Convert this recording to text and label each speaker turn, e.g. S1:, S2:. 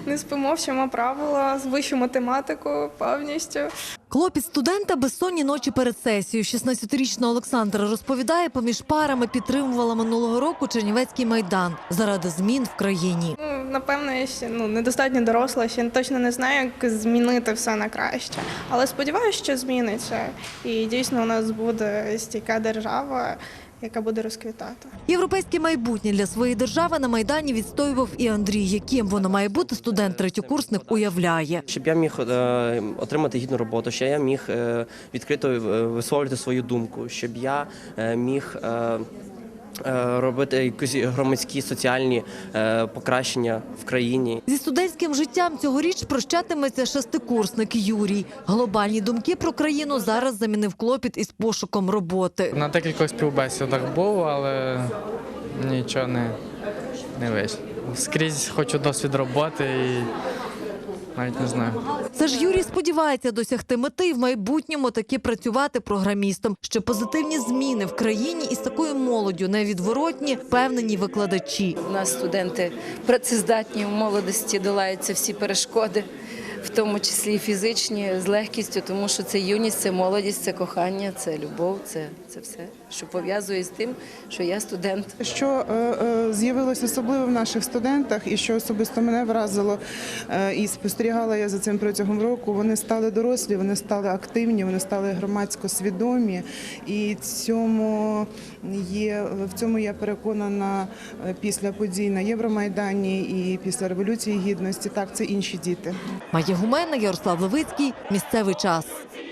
S1: Не спимо, вчимо правила, вищу математику повністю.
S2: Клопіт студента безсонні ночі перед сесією. 16-річна Олександра розповідає, поміж парами підтримувала минулого року Чернівецький майдан заради змін в країні.
S1: Напевно, я ще недостатньо доросла, ще точно не знаю, як змінити все на краще. Але сподіваюся, що зміниться. І дійсно у нас буде стійка держава, яка буде розквітати.
S2: Європейське майбутнє для своєї держави на Майдані відстоював і Андрій. Яким воно має бути, студент-третьокурсник уявляє.
S3: Щоб я міг отримати гідну роботу, щоб я міг відкрито висловлювати свою думку, щоб я міг робити якісь громадські, соціальні покращення в країні.
S2: Зі студентським життям цьогоріч прощатиметься шестикурсник Юрій. Глобальні думки про країну зараз замінив клопіт із пошуком роботи.
S4: На декількох співбесідах був, але нічого не вийшло. Скрізь хочу досвід роботи і навіть не знаю.
S2: Це ж Юрій сподівається досягти мети і в майбутньому таки працювати програмістом. Що позитивні зміни в країні із такою молоддю невідворотні, впевнені викладачі.
S5: У нас студенти працездатні, в молодості долаються всі перешкоди, в тому числі і фізичні, з легкістю, тому що це юність, це молодість, це кохання, це любов, це все, що пов'язує з тим, що я студент.
S6: Що з'явилось особливо в наших студентах і що особисто мене вразило, і спостерігала я за цим протягом року, вони стали дорослі, вони стали активні, вони стали громадсько свідомі. І в цьому я переконана після подій на Євромайдані і після Революції Гідності. Так, це інші діти.
S2: Майя Гумена, Ярослав Левицький. Місцевий час.